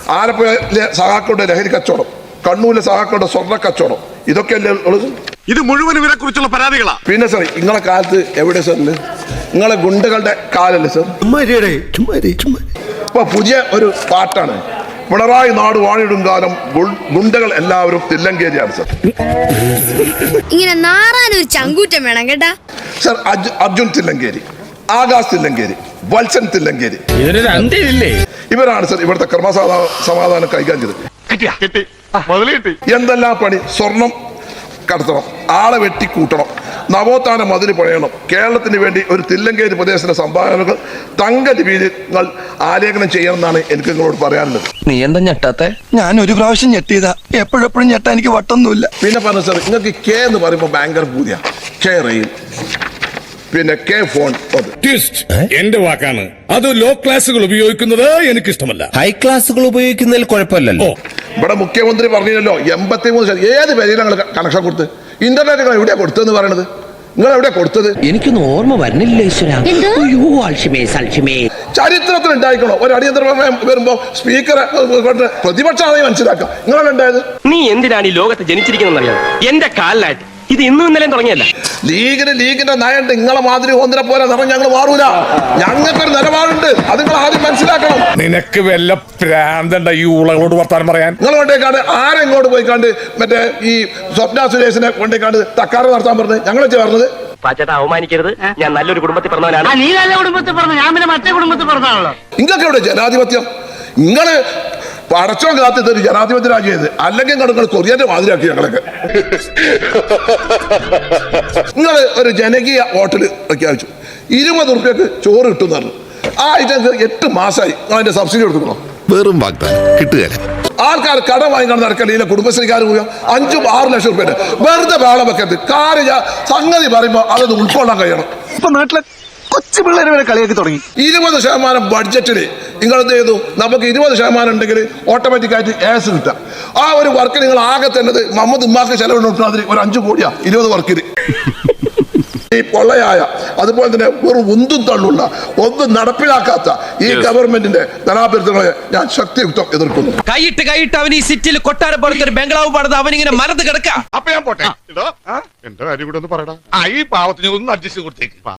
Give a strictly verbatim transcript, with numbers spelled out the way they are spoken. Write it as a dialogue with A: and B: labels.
A: ആലപ്പുഴയിലെ സഹാക്കളുടെ ലഹരി കച്ചവടം, കണ്ണൂരിലെ സഹാക്കളുടെ സ്വർണ്ണ കച്ചവടം, ഇതൊക്കെയല്ലേ ഉള്ളത്?
B: ഇത് മുഴുവൻ ഇവരെ കുറിച്ചുള്ള പരാതികളാ.
A: പിന്നെ സാർ നിങ്ങളെ കാലത്ത് എവിടെ സാറിന് നിങ്ങളെ ഗുണ്ടകളുടെ കാലല്ലേ സാർ? ഇപ്പൊ പുതിയ ഒരു പാട്ടാണ്, പിണറായി നാട് വാണിടും കാലം ഗുണ്ടകൾ എല്ലാവരും തില്ലങ്കേരിയാണ് സാർ.
C: ഇങ്ങനെ നാറാനൊരു ചങ്കൂറ്റം വേണം കേട്ടാ
A: സാർ. അർജുൻ തില്ലങ്കേരി, ആകാശ് തില്ലങ്കേരി, വത്സൻ തില്ലങ്കേരി, ഇവരാണ് സാർ ഇവിടുത്തെ ക്രമസമാ സമാധാനം കൈകാര്യം ചെയ്തത്. എന്തെല്ലാം പണി? സ്വർണം കടത്തണം, ആളെ വെട്ടിക്കൂട്ടണം, നവോത്ഥാന മതിൽ പണിയണം, കേരളത്തിന് വേണ്ടി ഒരു തില്ലങ്കേരി പ്രദേശത്തിന്റെ സംഭാവനകൾ തങ്ക ലിപികൾ ആലേഖനം ചെയ്യണം എന്നാണ് എനിക്ക് നിങ്ങളോട് പറയാനുള്ളത്.
D: നീ എന്താ ഞെട്ടാത്തെ?
E: ഞാൻ ഒരു പ്രാവശ്യം ഞെട്ടിയതാ, എപ്പോഴെപ്പോഴും ഞെട്ടാ എനിക്ക് വട്ടൊന്നുമില്ല.
A: പിന്നെ പറഞ്ഞു സാർ, നിങ്ങൾക്ക് കെ എന്ന് പറയുമ്പോൾ ഭയങ്കര പൂതിയ. കെ റെയിൽ, പിന്നെ കെ ഫോൺ.
F: എന്റെ വാക്കാണ് അത്. ലോ ക്ലാസുകൾ ഉപയോഗിക്കുന്നത് എനിക്ക് ഇഷ്ടമല്ല.
G: ഹൈ ക്ലാസുകൾ ഉപയോഗിക്കുന്നതിൽ കുഴപ്പമില്ലല്ലോ.
A: ഇവിടെ മുഖ്യമന്ത്രി പറഞ്ഞില്ലല്ലോ എൺപത്തി മൂന്ന് ശതമാനം ഏത് പേരിൽ ഞങ്ങൾ കണക്ഷൻ കൊടുത്ത്? ഇന്റർനെറ്റ് നിങ്ങൾ എവിടെയാ കൊടുത്തതെന്ന് പറയണത്? നിങ്ങൾ എവിടെയാ കൊടുത്തത്?
D: എനിക്കൊന്നും ഓർമ്മ വരുന്നില്ല ഈശ്വര.
A: ചരിത്രത്തിൽ ഉണ്ടായിക്കണോ ഒരു അടിയന്തര പ്രമേയം വരുമ്പോ സ്പീക്കറെ പ്രതിപക്ഷമാണ് മനസ്സിലാക്കാം. നിങ്ങളാണ് ഉണ്ടായത്.
H: നീ എന്തിനാണ് ഈ ലോകത്ത് ജനിച്ചിരിക്കുന്നറിയാം? എന്റെ കാലിലായിട്ട് ഇത് ഇന്നും ഇന്നലെയും തുടങ്ങിയല്ല.
A: ലീഗിന് ലീഗിന്റെ നയണ്ട് നിങ്ങളെ മാതിരി ഒന്നിനെ പോലെ നിറം ഞങ്ങൾ മാറൂല. ഞങ്ങൾക്കൊരു നിലപാടുണ്ട്, അത് നിങ്ങൾ ആദ്യം മനസ്സിലാക്കണം.
F: നിനക്ക് വല്ല പ്രാന്തണ്ട ഈ ഉളകളോട് വർത്താനം പറയാൻ?
A: നിങ്ങൾ കൊണ്ടേക്കാണ്ട് ആരെങ്ങോട്ട് പോയിക്കാണ്ട് മറ്റേ ഈ സ്വപ്ന സുരേഷിനെ കൊണ്ടേക്കാണ്ട് തക്കാറ് നടത്താൻ പറഞ്ഞത് ഞങ്ങൾ ചേർന്നത്.
H: പാച്ചേട്ടാ അവമാനിക്കരുത്, ഞാൻ നല്ലൊരു കുടുംബത്തിൽ പറഞ്ഞവനാണ്.
I: നീ നല്ല കുടുംബത്തിൽ പറഞ്ഞു, ഞാൻ പിന്നെ മറ്റേ കുടുംബത്തിൽ പറഞ്ഞാണല്ലോ.
A: നിങ്ങൾക്ക് എവിടെ ജനാധിപത്യം? നിങ്ങള് പടച്ചോ കാത്തിട്ട് ഒരു ജനാധിപത്യ രാജ്യത്, അല്ലെങ്കിൽ നിങ്ങൾ കൊറിയന്റെ മാതിരിയാക്കി ഞങ്ങളൊക്കെ. നിങ്ങൾ ഒരു ജനകീയ ഹോട്ടല് പ്രഖ്യാപിച്ചു, ഇരുപത് റുപ്യക്ക് ചോറ് കിട്ടും പറഞ്ഞു. ആ ഐറ്റംസ് എട്ട് മാസമായി നിങ്ങൾ അതിന്റെ സബ്സിഡി കൊടുക്കണം.
B: വെറും വാഗ്ദാനം കിട്ടുകയില്ല.
A: ആൾക്കാർ കടം വാങ്ങിക്കാൻ നടക്കലില്ല. കുടുംബശ്രീക്കാർ പോയി അഞ്ചും ആറ് ലക്ഷം റുപ്യ വെറുതെ വേളം വെക്കരുത്. കാര്യം സംഗതി പറയുമ്പോൾ അതൊന്ന് ഉൾക്കൊള്ളാൻ കഴിയണം.
E: ഇപ്പൊ നാട്ടിലെ കൊച്ചു പിള്ളേരെ വരെ കളിയാക്കി തുടങ്ങി.
A: ഇരുപത് ശതമാനം ബഡ്ജറ്റില് നിങ്ങൾ എന്ത് ചെയ്തു? നമുക്ക് ഇരുപത് ശതമാനം ഉണ്ടെങ്കിൽ ഓട്ടോമാറ്റിക്കായിട്ട് ഏസ് കിട്ടാം. ആ ഒരു വർക്ക് നിങ്ങൾ ആകെ തന്നത് മുഹമ്മദ് ഉമ്മാക്ക് ചെലവിട്ടാതിരി ഒരു അഞ്ചു കോടിയാ ഇരുപത് വർക്കിന്. ഈ പൊള്ളയായ അതുപോലെ തന്നെ വെറും ഉന്തും തള്ളുള്ള ഒന്നും നടപ്പിലാക്കാത്ത ഈ ഗവൺമെന്റിന്റെ ധനാഭ്യർത്ഥനകളെ ഞാൻ ശക്തിയുക്തം എതിർക്കുന്നു.
D: കൈയിട്ട് കൈയിട്ട് അവൻ ഈ സിറ്റിയിൽ കൊട്ടാരം പോലത്തെ ഒരു ബംഗ്ലാവ് പണിത് അവനിങ്ങനെ മരത്ത് കിടക്കാം.
B: അപ്പൊ ഞാൻ പോട്ടെ. എന്റെ കാര്യം കൂടെ ഒന്ന് പറയടാ. ഈ പാവത്തിന് ഒന്ന് അഡ്ജസ്റ്റ് കൊടുത്തേക്ക്.